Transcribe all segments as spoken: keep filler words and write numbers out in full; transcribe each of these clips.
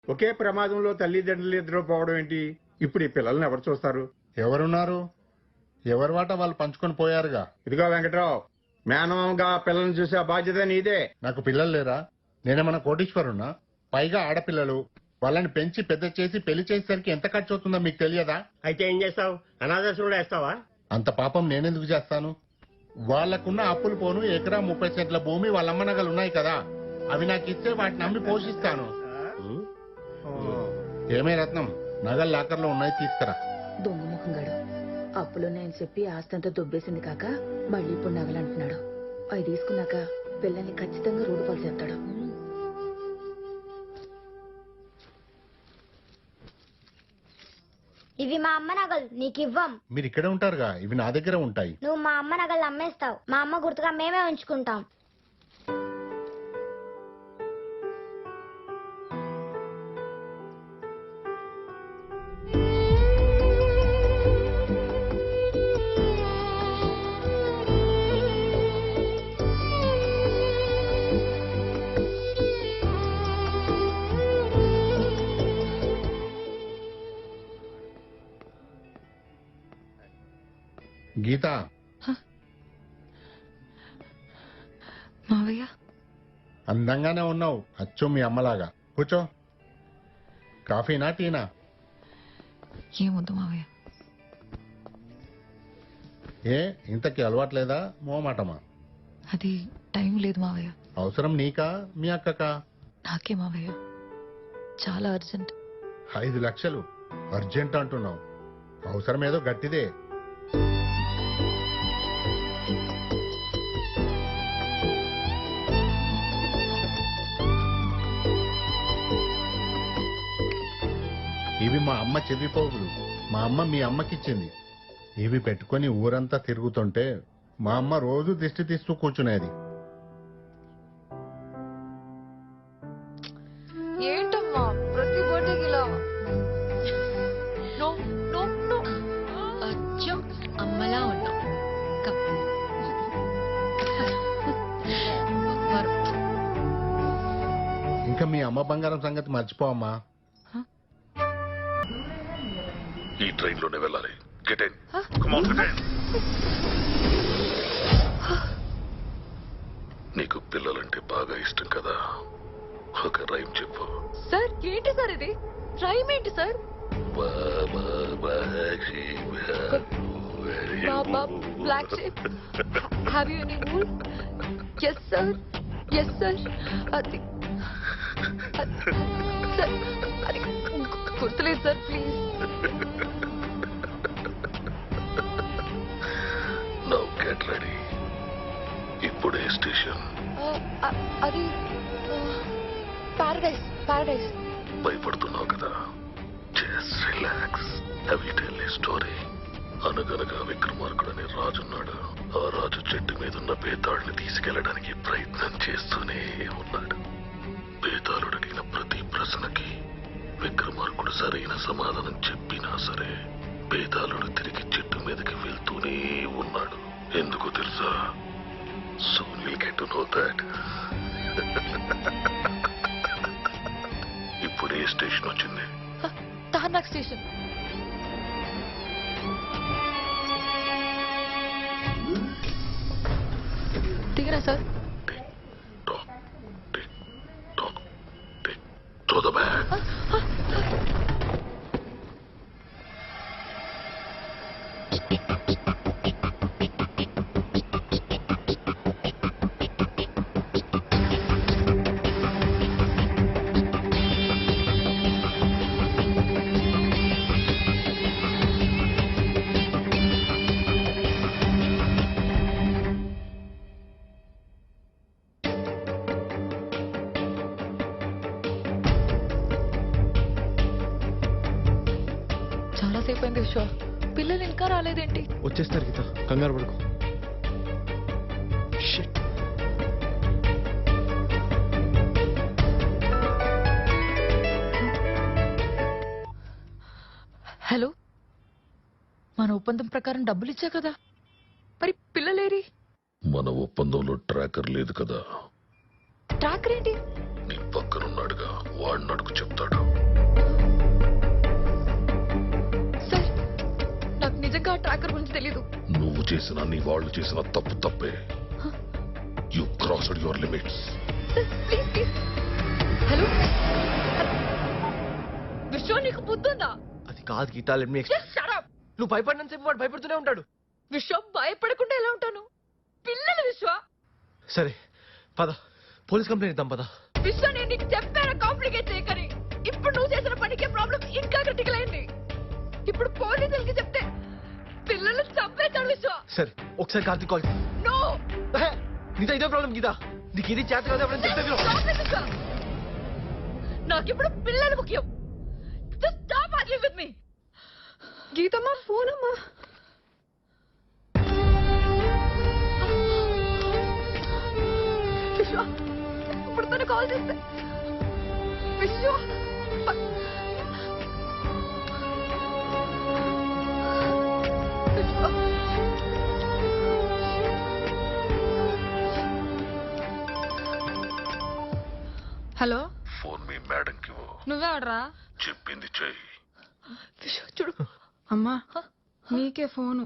ఒకే ప్రమాదంలో తల్లిదండ్రులు ఇద్దరు పోవడం ఏంటి? ఇప్పుడు ఈ పిల్లల్ని ఎవరు చూస్తారు? ఎవరున్నారు? ఎవరి వాట వాళ్ళు పంచుకొని పోయారుగా. ఇదిగో వెంకట్రావు, మేనమామగా పిల్లల్ని చూసే బాధ్యత నీదే. నాకు పిల్లలు లేరా? నేనేమన్నా కోటీశ్వరున్నా? పైగా ఆడపిల్లలు. వాళ్ళని పెంచి పెద్ద చేసి పెళ్లి చేసేసరికి ఎంత ఖర్చు అవుతుందో మీకు తెలియదా? అయితే ఏం చేస్తావు? అనాథాశ్రమంలో వేస్తావా? అంత పాపం నేనెందుకు చేస్తాను? వాళ్లకున్న అప్పులు పోను ఎకరా ముప్పై సెంట్ల భూమి వాళ్ళమ్మ నగలు ఉన్నాయి కదా, అవి నాకు ఇస్తే వాటిని అమ్మి పోషిస్తాను. ఏమే రత్నం, నగలు లాకర్లో ఉన్నాయి, తీసుకురా. దొంగముఖంగాడు అప్పులున్నాయని చెప్పి ఆస్తంతా దుబ్బేసింది కాక మళ్ళీ ఇప్పుడు నగలంటున్నాడు. అవి తీసుకున్నాక పిల్లల్ని ఖచ్చితంగా రోడ్డు పాలు చేస్తాడు. ఇవి మా అమ్మ నగలు, నీకు ఇవ్వం. మీరు ఇక్కడే ఉంటారుగా, ఇవి నా దగ్గర ఉంటాయి. నువ్వు మా అమ్మ నగలు అమ్మేస్తావు, మా అమ్మ గుర్తుగా మేమే ఉంచుకుంటాం. గీత, మావయ్య అందంగానే ఉన్నావు, అచ్చు మీ అమ్మలాగా. కూర్చో. కాఫీనా టీనా? ఏమొద్దు మావయ్య. ఏ ఇంతకీ అలవాట్లేదా? మోమాటమా? అది టైం లేదు మావయ్య. అవసరం నీకా మీ అక్కకా? నాకే మావయ్య, చాలా అర్జెంట్. ఐదు లక్షలు అర్జెంట్ అంటున్నావు, అవసరం ఏదో గట్టిదే. ఇవి మా అమ్మ చెవి పోగులు, మా అమ్మ మీ అమ్మకిచ్చింది. ఇవి పెట్టుకుని ఊరంతా తిరుగుతుంటే మా అమ్మ రోజు దిష్టి తీస్తూ కూర్చునేది. ఏంటమ్మా ప్రతి బర్త్డేకి ఇలా? నో నో నో, అచ్చం అమ్మలా ఉన్నావు. ఇంకా మీ అమ్మ బంగారం సంగతి మర్చిపోమ్మా. ఈ ట్రైన్ లోనే వెళ్ళాలి. Get in. Come on, get in. నీకు పిల్లలంటే బాగా ఇష్టం కదా, ఒక రైమ్ చెప్పు. సార్ ఏంటి సార్ ఇది? రైమ్ ఏంటి sir? Baa baa black shape, have you any rule? yes sir, yes sir. అది సార్, అది గుర్తులేదు sir, please. Now get ready. ఇప్పుడే స్టేషన్. అది పారడైస్, పారడైస్. భయపడుతున్నావు కదా, just relax. I will tell a story. అనగనగా విక్రమార్కుడు అనే రాజున్నాడు. ఆ రాజు చెట్టు మీద ఉన్న బేతాళుని తీసుకెళ్లడానికి ప్రయత్నం చేస్తూనే ఉన్నాడు. బేతాళుడు అడిగిన ప్రతి ప్రశ్నకి విక్రమార్కుడు సరైన సమాధానం చెప్పినా సరే బేతాళుడు తిరిగి చెట్టు మీదకి వెళ్తూనే ఉన్నాడు. ఎందుకో తెలుసా? Soon you'll get to know that. ఇప్పుడు ఏ స్టేషన్ వచ్చింది? తార్నాక్ స్టేషన్. దిగరా sir. Tick, tock, tick, tock, tick. Throw the bag. చాలాసేపు అయింది విశ్వ, పిల్లలు ఇంకా రాలేదేంటి? వచ్చేస్తారు గీత, కంగారు పడుకో. హలో, మన ఒప్పందం ప్రకారం డబ్బులు ఇచ్చా కదా, మరి పిల్లలేరి? మన ఒప్పందంలో ట్రాకర్ లేదు కదా. ట్రాకర్ ఏంటి? నీ పక్కనున్నాడుగా వాడిని అడుగు చెప్తాడు. సార్ నాకు నిజంగా ట్రాకర్ గురించి తెలీదు. నువ్వు చేసిన నీ వాళ్ళు చేసిన తప్పు తప్పే. You crossed your limits. Sir please please. Hello Vishwa, నీకు బుద్ధుందా? అది కాదు Geetha, let me explain. Just shut up. నువ్వు భయపడినంత వాడు భయపడుతూనే ఉంటాడు. విశ్వ, భయపడకుండా ఎలా ఉంటాను? పిల్లలు విశ్వ. సరే పద, పోలీస్ కంప్లైంట్ ఇద్దాం పద. విశ్వ, నేను నీకు చెప్పాను కాంప్లికేట్ చేయకని. ఇప్పుడు నువ్వు చేసిన పనికే ప్రాబ్లం ఇంకా క్రిటికల్ అయింది. ఇప్పుడు పోలీసులకి చెప్తే పిల్లలు చంపేస్తాడు విశ్వ. సరే ఒకసారి కార్తీక్ కాల్. నో, నీతో ఇదే ప్రాబ్లం గీత. నీకు ఇది చేత కదా ఎవరైనా చెప్తే విను. నాకిప్పుడు పిల్లలు ముఖ్యం. Just stop arguing with me. గీతమ్మా, ఫోన్ అమ్మా. విశ్వ, ఇప్పుడు తను కాల్ చేస్తే విశ్వ విశ్వ. హలో, ఫోన్ మీ మేడంకి ఇవ్వు. నువ్వే ఆడరా? చెప్పింది చెయ్యి. విశ్వ చూడు. అమ్మా నీకే ఫోను.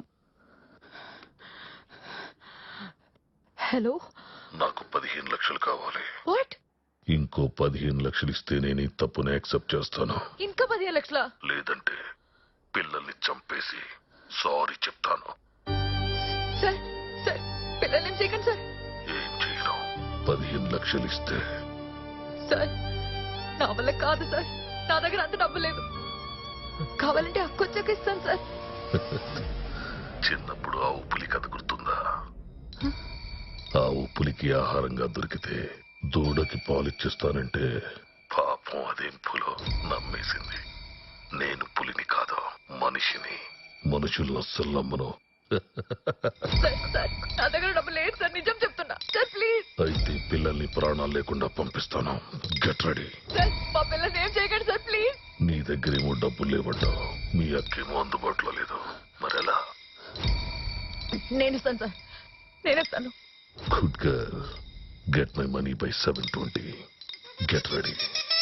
హలో, నాకు పదిహేను లక్షలు కావాలి. వాట్? ఇంకో పదిహేను లక్షలు ఇస్తే నేను ఈ తప్పుని యాక్సెప్ట్ చేస్తాను. ఇంకా పదిహేను లక్షల? లేదంటే పిల్లల్ని చంపేసి సారీ చెప్తాను. సార్ సార్ పిల్లల్ని ఏం చేయకండి సార్. ఏం చేయను. పదిహేను లక్షలు ఇస్తే సార్ నా వల్ల కాదు సార్. నా దగ్గర అంత డబ్బు లేదు. కావాలంటే అక్కొచ్చాక ఇస్తాను సార్. చిన్నప్పుడు ఆ ఉప్పులి కథ గుర్తుందా? ఆ ఉప్పులికి ఆహారంగా దొరికితే దూడకి పాలిచ్చేస్తానంటే పాపం అదేం పులో నమ్మేసింది. నేను పులిని కాదు, మనిషిని. మనుషులను అస్సలు నమ్మను. సార్ సార్ నా దగ్గర డబ్బు లేదు సార్, నిజం చెప్తున్నా సార్. ప్లీజ్. అయితే పిల్లల్ని ప్రాణాలు లేకుండా పంపిస్తాను. Get ready. సార్ మా పిల్లల్ని ఏం చేయకండి సార్, ప్లీజ్. నీ దగ్గరేమో డబ్బులు లేవడ్డావు, మీ అక్కేమో అందుబాటులో లేదు. మరెలా? నేను ఇస్తాను సార్, నేను ఇస్తాను. Good girl. Get my money by seven twenty. Get ready.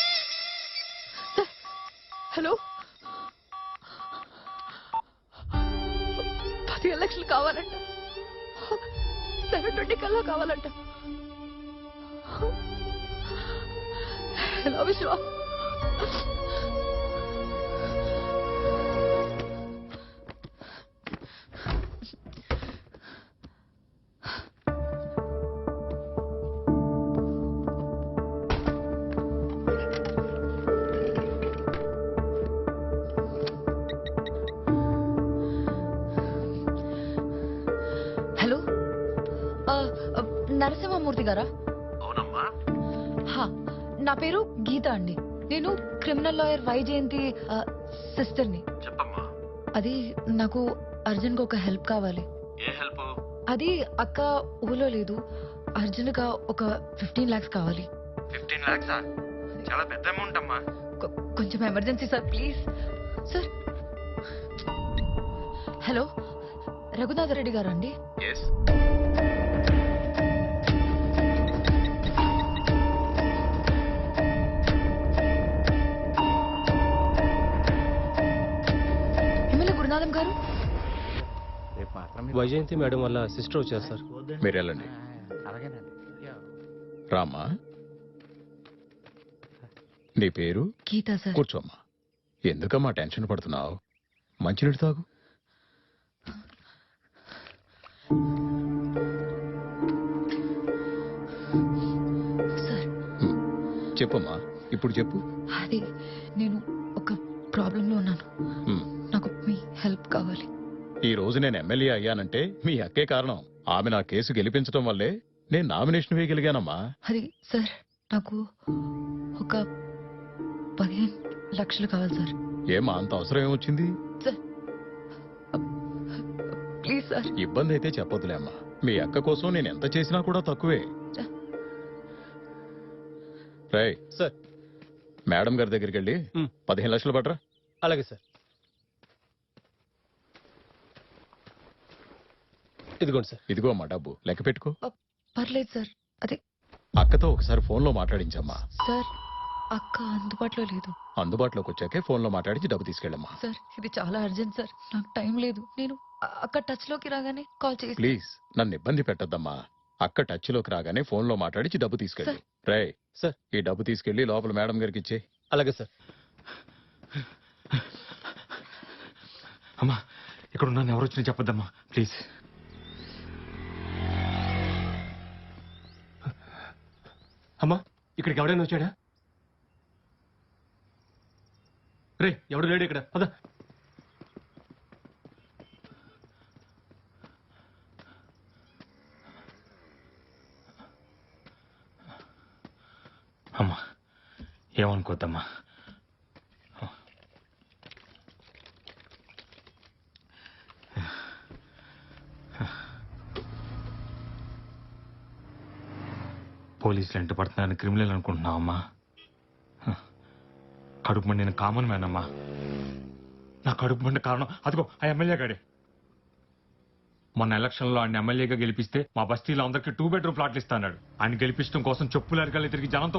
Hello, పదిహేను లక్షలు కావాలంట. సెవెన్ ట్వంటీ కల్లా కావాలంట. హలో విశ్వ. హలో, ఆ, ఆ, నరసింహమూర్తి గారా? అవునమ్మా. హా, నా పేరు గీత అండి. నేను క్రిమినల్ లాయర్ వైజయంతి సిస్టర్ని. చెప్పమ్మా. అది నాకు అర్జున్ గా ఒక హెల్ప్ కావాలి. ఏ హెల్ప్? అది అక్క ఊళ్ళో లేదు. అర్జున్ గా ఒక ఫిఫ్టీన్ లాక్స్ కావాలి. ఫిఫ్టీన్ లాక్సా? చాలా పెద్ద అమౌంట్ అమ్మా. కొ- కొంచెం emergency sir, please sir. Hello, Raghunatha Reddy గారు అండి? ఎస్. ఎమ్మెల్యే గురునాథం గారు? వైజయంతి మేడం వల్ల సిస్టర్ వచ్చారు సార్. మీరు వెళ్ళండి. రామ్మా, నీ పేరు? గీతా సార్. కూర్చోమ్మా. ఎందుకమ్మా టెన్షన్ పడుతున్నావు? మంచినీళ్ళు తాగు. సార్ హ్మ్. చెప్పమ్మా, ఇప్పుడు చెప్పు. అది నేను ఒక ప్రాబ్లంలో ఉన్నాను. హ్మ్. నాకు మీ హెల్ప్ కావాలి. ఈ రోజు నేను ఎమ్మెల్యే అయ్యానంటే మీ అక్కే కారణం. ఆమె నా కేసు గెలిపించడం వల్లే నేను నామినేషన్ వేయగలిగానమ్మా. అది సార్, నాకు ఒక పదిహేను లక్షలు కావాలి సార్. ఏమా అంత అవసరం ఏమొచ్చింది? Sir please sir. ఇబ్బంది అయితే చెప్పొద్దులే అమ్మా. మీ అక్క కోసం నేను ఎంత చేసినా కూడా తక్కువే. రై సార్, మేడం గారి దగ్గరికి వెళ్ళి మ్. పదిహేను లక్షలు పట్రా. అలాగే సార్. ఇదిగోండి సార్. ఇదిగో అమ్మా డబ్బు, లెక్క పెట్టుకో. పర్లేదు సార్. అదే అక్కతో ఒకసారి ఫోన్లో మాట్లాడించమ్మా. సార్, అక్క అందుబాటులో లేదు. అందుబాటులోకి వచ్చాకే ఫోన్లో మాట్లాడి డబ్బు తీసుకెళ్ళమ్మా. సార్ ఇది చాలా అర్జెంట్ సార్, నాకు టైం లేదు. నేను అ- అక్క టచ్ లోకి రాగానే కాల్ చేసి. ప్లీజ్ నన్ను ఇబ్బంది పెట్టద్దమ్మా. అక్క టచ్ లోకి రాగానే ఫోన్ లో మాట్లాడి డబ్బు తీసుకెళ్ళి. రే సార్. ఈ డబ్బు తీసుకెళ్లి లోపల మేడం గారికి ఇచ్చే. అలాగే సార్. అమ్మా ఇక్కడ ఉన్నాను, ఎవరు వచ్చినా చెప్పొద్దమ్మా ప్లీజ్. అమ్మా ఇక్కడికి ఎవడైనా వచ్చాడా? రే ఎవడు లేడు ఇక్కడ, పద. అమ్మా ఏమనుకోద్దమ్మా. పోలీసులు ఎంట పడుతున్నారని క్రిమినల్ అనుకుంటున్నావు అమ్మా. కడుపు మండి నేను కామన్ మ్యాన్ అమ్మా. నా కడుపు మండి కారణం అదిగో ఆ ఎమ్మెల్యే గాడే. మొన్న ఎలక్షన్లో ఆయన ఎమ్మెల్యేగా గెలిపిస్తే మా బస్తీలో అందరికీ టూ బెడ్రూమ్ ఫ్లాట్లు ఇస్తాడు. ఆయన గెలిపించడం కోసం చెప్పులు అరగాలి తిరిగి జనంతో